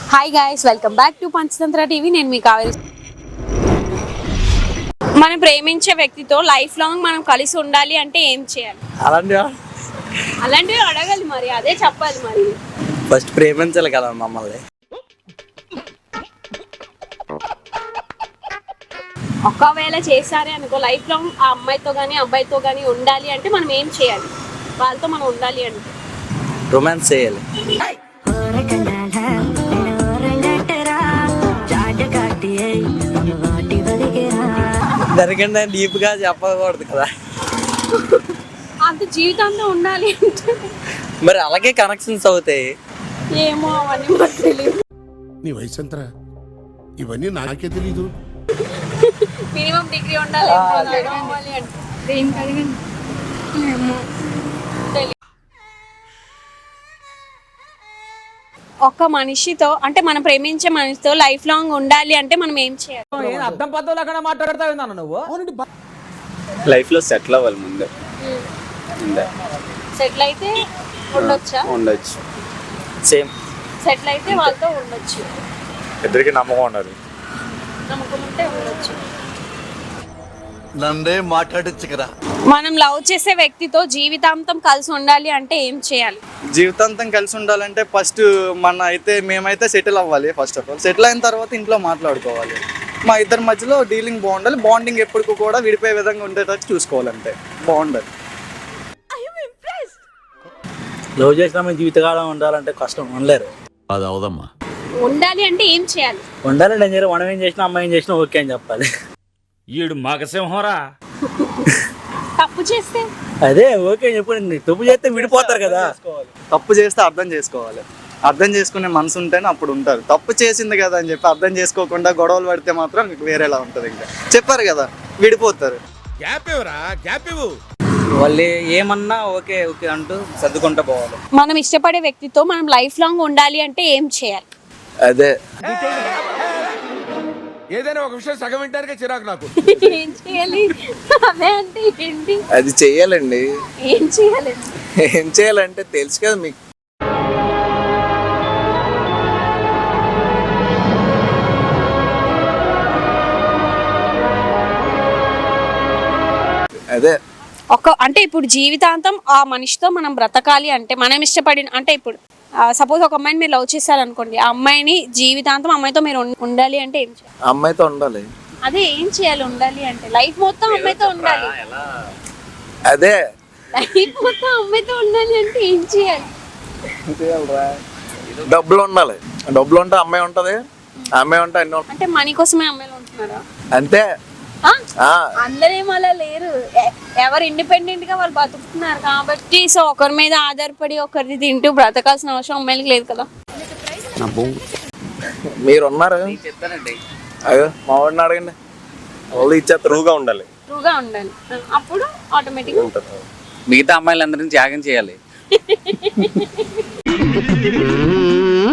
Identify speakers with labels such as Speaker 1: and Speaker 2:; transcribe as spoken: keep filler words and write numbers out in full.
Speaker 1: Hi guys, welcome back to Panchatantra TV. నేను మీ కావేరి. మనం ప్రేమించే వ్యక్తితో లైఫ్ లాంగ్ మనం కలిసి ఉండాలి అంటే ఏం చేయాలి?
Speaker 2: అలాంటివా?
Speaker 1: అలాంటివి అడగాలి, మరి అదే చెప్పాలి. మరి
Speaker 2: ఫస్ట్ ప్రేమించాలి కదా మమ్మల్ని.
Speaker 1: ఒకవేళ చేశారే అనుకో, లైఫ్ లాంగ్ ఆ అమ్మాయితో కానీ అబ్బాయితో కానీ ఉండాలి అంటే మనం ఏం చేయాలి? వాళ్ళతో మనం ఉండాలి అంటే
Speaker 2: రొమాన్స్ చేయాలి. దానికంటే డీప్ గా చెప్పకూడదు కదా.
Speaker 1: అంత జీవితంలో ఉండాలి అంటే
Speaker 2: మరి అలాగే కనెక్షన్స్ అవుతాయి.
Speaker 1: ఏమో అవన్నీ మాకు తెలియదు.
Speaker 3: నీ వయసు ఎంతరా? ఇవన్నీ నాకే తెలీదు.
Speaker 1: మినిమం డిగ్రీ ఉండాలి అవ్వాలి అంటే ఏం కడగండి. ఏమో తెలియదు. ఒక మనిషితో అంటే మనం ప్రేమించే మనిషితో లైఫ్ లాంగ్ ఉండాలి అంటే మనం ఏం చేయాలి?
Speaker 4: అర్థం పద్ధతులు అక్కడ మాట్లాడతావు నువ్వు.
Speaker 5: లైఫ్ లో సెటిల్ అవ్వాలి ముందే.
Speaker 1: సెటిల్ అయితే ఉండొచ్చా?
Speaker 5: ఉండొచ్చు.
Speaker 2: సేమ్
Speaker 1: సెటిల్ అయితే వాళ్ళతో ఉండొచ్చు.
Speaker 5: ఇద్దరికి నమ్మకం ఉండాలి.
Speaker 1: నమ్మకం ఉంటే ఉండొచ్చు.
Speaker 3: నన్నే మాట్లాడచ్చు కదా.
Speaker 1: మనం లవ్ చేసే వ్యక్తితో జీవితాంతం కలిసి ఉండాలి అంటే ఏం చేయాలి?
Speaker 6: జీవితాంతం కలిసి ఉండాలంటే ఫస్ట్ మన అయితే మేమైతే సెటిల్ అవ్వాలి. ఫస్ట్ ఆఫ్ ఆల్ సెటిల్ అయిన తర్వాత ఇంట్లో మాట్లాడుకోవాలి. మా ఇద్దరి మధ్యలో డీలింగ్ బాగుండాలి. బాండింగ్ ఎప్పటికీ కూడా విడిపోయే విధంగా ఉండేటట్టు చూసుకోవాలంటే బాగుండాలి.
Speaker 2: లవ్ చేసిన జీవితకాలం ఉండాలంటే కష్టం, ఉండలేరు.
Speaker 3: అది అవదమ్మా.
Speaker 1: ఉండాలి అంటే ఏం చేయాలి?
Speaker 2: ఉండాలంటే ఏం చేయాలి? మనం ఏం చేసినా అమ్మాయి ఏం చేసినా ఓకే అని చెప్పాలి.
Speaker 4: ఈడు మగసింహరా.
Speaker 1: తప్పు చేస్తే
Speaker 2: అదే ఓకే చెప్పండి. తప్పు చేస్తే విడిపోతారు కదా.
Speaker 6: తప్పు చేస్తే అర్థం చేసుకోవాలి. అర్థం చేసుకునే మనసు ఉంటేనే అప్పుడు ఉంటారు. తప్పు చేసింది కదా అని చెప్పి అర్థం చేసుకోకుండా గొడవలు పడితే మాత్రం వేరేలా ఉంటుంది. ఇంకా చెప్పారు కదా, విడిపోతారు.
Speaker 3: గ్యాప్ ఇవ్వరా, గ్యాప్ ఇవ్వు.
Speaker 2: వాళ్ళు ఏమన్నా ఓకే ఓకే అంటూ సర్దుకుంటూ పోవాలి.
Speaker 1: మనం ఇష్టపడే వ్యక్తితో మనం లైఫ్ లాంగ్ ఉండాలి అంటే ఏం చేయాలి?
Speaker 6: అదే
Speaker 3: ఏదైనా ఒక విషయం సగం వింటానికే చిరాకు నాకు.
Speaker 1: ఏం చేయాలి? అదే అంటే ఏంటి?
Speaker 6: అది చెయ్యాలండి.
Speaker 1: ఏం చేయాలి?
Speaker 6: ఏం చేయాలంటే తెలుసు కదా మీకు. అదే
Speaker 1: ఒక అంటే ఇప్పుడు జీవితాంతం ఆ మనిషితో మనం బ్రతకాలి అంటే మనం ఇష్టపడిన అంటే ఇప్పుడు సపోజ్ ఒక అమ్మాయిని మీరు లవ్ చేశారనుకోండి, ఆ అమ్మాయిని జీవితాంతం అమ్మాయితో మీరు ఉం- ఉండాలి అంటే ఏం చేయాలి?
Speaker 6: అమ్మాయితో ఉండాలి.
Speaker 1: అదే ఏం చేయాలి? ఉండాలి అంటే లైఫ్ మొత్తం అమ్మాయితో ఉండాలి.
Speaker 6: అదే
Speaker 1: లైఫ్ మొత్తం అమ్మాయితో ఉండాలి అంటే ఏం చేయాలి?
Speaker 6: డబ్బులు ఉండాలి. డబ్బులు ఉంటే అమ్మాయి ఉంటది, అమ్మాయి ఉంటే అన్ని ఉంటాయి.
Speaker 1: అంటే మనీ కోసమే అమ్మాయిలు ఉంటున్నారా?
Speaker 6: అంతే.
Speaker 1: ఆ?
Speaker 6: ఆ
Speaker 1: అందరేం అలా లేరు. ఎ- ఎవరు ఇండిపెండెంట్ గా వాళ్ళు బతుకుతున్నారు కాబట్టి, సో ఒకరి మీద ఆధారపడి ఒకరిది తింటూ బ్రతకాల్సిన అవసరం అమ్మాయిలకి లేదు కదా.
Speaker 6: మీరు ఉన్నారు.
Speaker 2: చెప్తానండి.
Speaker 6: అయ్యో మా వాడిని అడగండి, వాళ్ళు ఇచ్చేస్తారు.
Speaker 5: ట్రూగా ఉండాలి.
Speaker 1: ట్రూగా ఉండాలి. అప్పుడు ఆటోమేటిక్ గా
Speaker 2: మిగతా అమ్మాయిలందరినీ త్యాగం చేయాలి.